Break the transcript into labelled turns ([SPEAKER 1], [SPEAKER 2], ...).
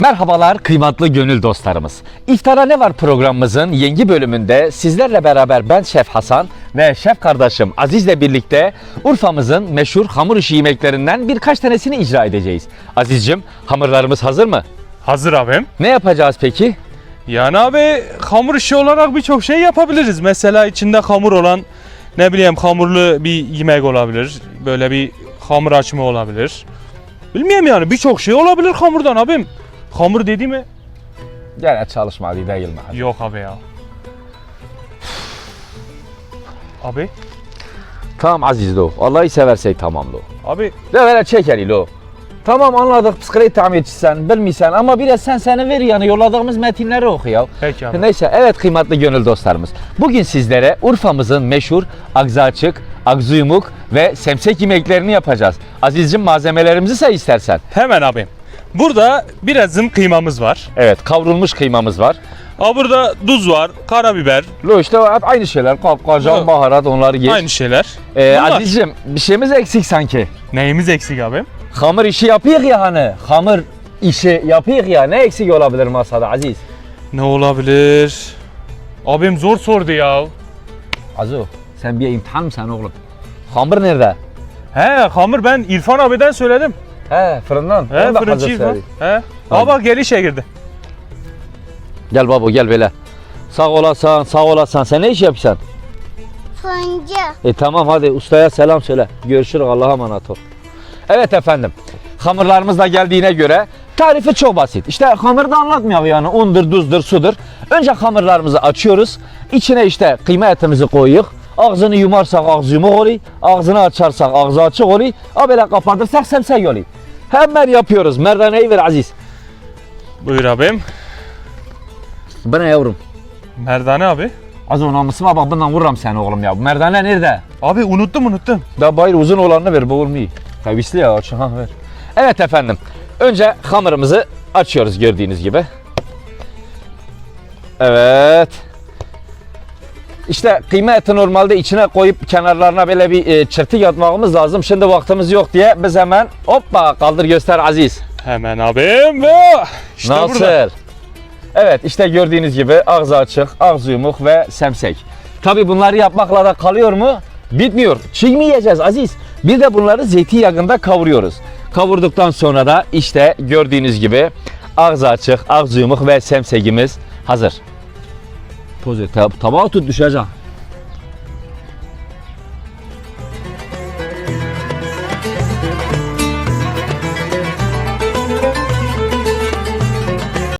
[SPEAKER 1] Merhabalar kıymetli gönül dostlarımız. İftara Ne Var programımızın yeni bölümünde sizlerle beraber ben Şef Hasan ve şef kardeşim Aziz'le birlikte Urfa'mızın meşhur hamur işi yemeklerinden birkaç tanesini icra edeceğiz. Aziz'cim, hamurlarımız hazır mı?
[SPEAKER 2] Hazır abim.
[SPEAKER 1] Ne yapacağız peki?
[SPEAKER 2] Yani abi hamur işi olarak birçok şey yapabiliriz. Mesela içinde hamur olan ne bileyim hamurlu bir yemek olabilir. Böyle bir hamur açma olabilir. Bilmiyorum yani birçok şey olabilir hamurdan abim. Hamur dedi mi?
[SPEAKER 1] Gene çalışmadı değil mi?
[SPEAKER 2] Yok abi ya. Abi.
[SPEAKER 1] Tamam Aziz lo. Allah'ı seversek tamam lo.
[SPEAKER 2] Abi.
[SPEAKER 1] De böyle çeker lo. Tamam anladık psikolojik tamirçisen, bilmiyorsan ama biraz seni ver yani yolladığımız metinleri oku ya.
[SPEAKER 2] Peki abi.
[SPEAKER 1] Neyse evet kıymetli gönül dostlarımız. Bugün sizlere Urfa'mızın meşhur agzaçık, agzuyumuk ve semsek yemeklerini yapacağız. Aziz'cim malzemelerimizi say istersen.
[SPEAKER 2] Hemen abim. Burada birazın kıymamız var.
[SPEAKER 1] Evet kavrulmuş kıymamız var.
[SPEAKER 2] Burada tuz var, karabiber.
[SPEAKER 1] Lo işte hep aynı şeyler. Kapkacan,
[SPEAKER 2] Lo.
[SPEAKER 1] baharat onları geç.
[SPEAKER 2] Aynı şeyler. Bunlar.
[SPEAKER 1] Aziz'cim bir şeyimiz eksik sanki.
[SPEAKER 2] Neyimiz eksik abim?
[SPEAKER 1] Hamur işi yapıyık ya hani. Hamur işi yapıyık ya. Ne eksik olabilir masada Aziz?
[SPEAKER 2] Ne olabilir? Abim zor sordu ya.
[SPEAKER 1] Azu sen bir imtihan mısın oğlum? Hamur nerede?
[SPEAKER 2] He hamur ben İrfan abiden söyledim.
[SPEAKER 1] He fırından.
[SPEAKER 2] He
[SPEAKER 1] Onu da
[SPEAKER 2] fırıncı
[SPEAKER 1] hazır
[SPEAKER 2] İrfan.
[SPEAKER 1] söyleyeyim.
[SPEAKER 2] He.
[SPEAKER 1] Tamam.
[SPEAKER 2] Baba gel işe girdi.
[SPEAKER 1] Gel baba gel böyle. Sağ olasın sağ olasın. Sen ne iş yapıyorsun?
[SPEAKER 3] Fırıncı.
[SPEAKER 1] Tamam hadi ustaya selam söyle. Görüşürüz Allah'a emanet ol. Evet efendim. Hamurlarımız da geldiğine göre tarifi çok basit. İşte hamuru da anlatmıyor yani undur, tuzdur, sudur. Önce hamurlarımızı açıyoruz. İçine işte kıyma etimizi koyuyoruz. Ağzını yumarsak ağzı yumuk oluyor. Ağzını açarsak ağzı açık oluyor. Ha böyle kapatırsak semsek oluyor. Hemen yapıyoruz. Merdaneyi ver Aziz.
[SPEAKER 2] Buyur abim.
[SPEAKER 1] Bu ne yavrum?
[SPEAKER 2] Merdane abi.
[SPEAKER 1] Az o namusuma bak bundan vururum seni oğlum ya. Bu merdane nerede?
[SPEAKER 2] Abi unuttum.
[SPEAKER 1] Da bayır uzun olanını ver bu olmuyor. Kavisli ya aç ha ver. Evet efendim. Önce hamurumuzu açıyoruz gördüğünüz gibi. Evet. İşte kıyma eti normalde içine koyup kenarlarına böyle bir çırtık atmamız lazım. Şimdi vaktimiz yok diye biz hemen hoppa kaldır göster Aziz.
[SPEAKER 2] Hemen abim. İşte
[SPEAKER 1] Nasıl?
[SPEAKER 2] burada.
[SPEAKER 1] Evet işte gördüğünüz gibi ağzı açık, ağzı yumuk ve semsek. Tabi bunları yapmakla da kalıyor mu? Bitmiyor. Çiğ mi yiyeceğiz Aziz? Bir de bunları zeytinyağında kavuruyoruz. Kavurduktan sonra da işte gördüğünüz gibi ağzı açık, ağzı yumuk ve semsekimiz hazır. Tabağa tut düşecek.